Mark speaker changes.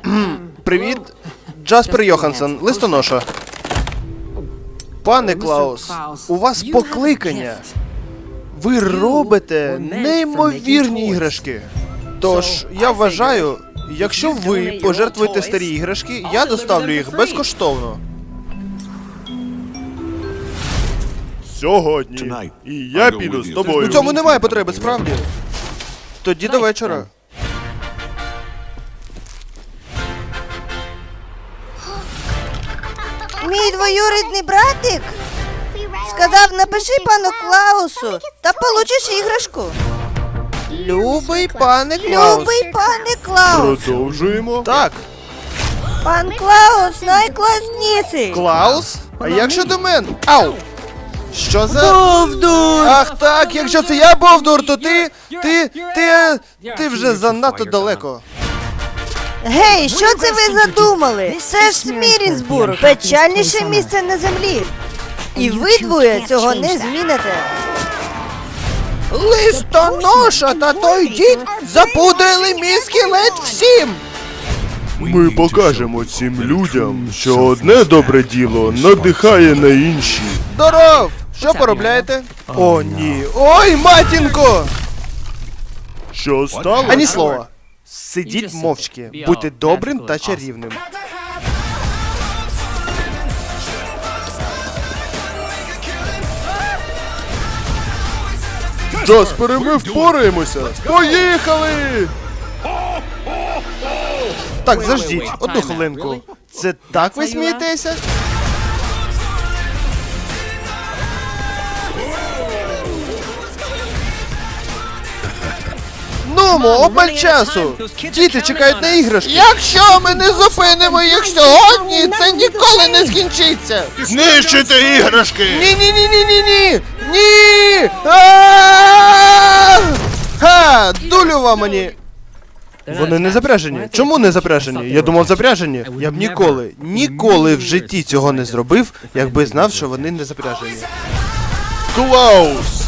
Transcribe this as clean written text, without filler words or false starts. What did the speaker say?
Speaker 1: Привіт, Джаспер Йоханссон, листоноша. Пане Клаус, у вас покликання. Ви робите неймовірні іграшки. Тож, я вважаю, якщо ви пожертвуєте старі іграшки, я доставлю їх безкоштовно. Сьогодні. І я піду з тобою. У цьому немає потреби, справді. Тоді до вечора.
Speaker 2: Мій двоюрідний братик сказав, напиши пану Клаусу та получиш іграшку.
Speaker 1: Любий пане Клаус.
Speaker 2: Любий пане Клаус.
Speaker 1: Продовжуємо. Так.
Speaker 2: Пан Клаус найкласніший.
Speaker 1: Клаус? А як щодо мене? Ау! Що за...
Speaker 2: Бовдур!
Speaker 1: Ах так, якщо це я Бовдур, то ти вже занадто далеко.
Speaker 2: Гей, що це ви задумали? Це ж Смірінсбург, печальніше місце на землі. І ви двоє цього не зміните.
Speaker 1: Листоноша та той дід запудили мій скелет всім! Ми покажемо цим людям, що одне добре діло надихає на інші. Здоров! Що поробляєте? О, ні. Ой, матінко! Що стало? Ані слова. Сидіть мовчки, будьте добрим та чарівним. Джаспере, ми впораємося! Поїхали! Так, заждіть, одну хвилинку. Це так ви смієтеся? Нумо, обмаль часу! Діти чекають на іграшки! Якщо ми не зупинимо їх сьогодні, це ніколи не скінчиться! Знищити іграшки! Ні-ні-ні-ні-ні-ні! Ні! Ха! Дулю вам мені! Вони не запряжені. Чому не запряжені? Я думав, запряжені. Я б ніколи в житті цього не зробив, якби знав, що вони не запряжені. Клаус!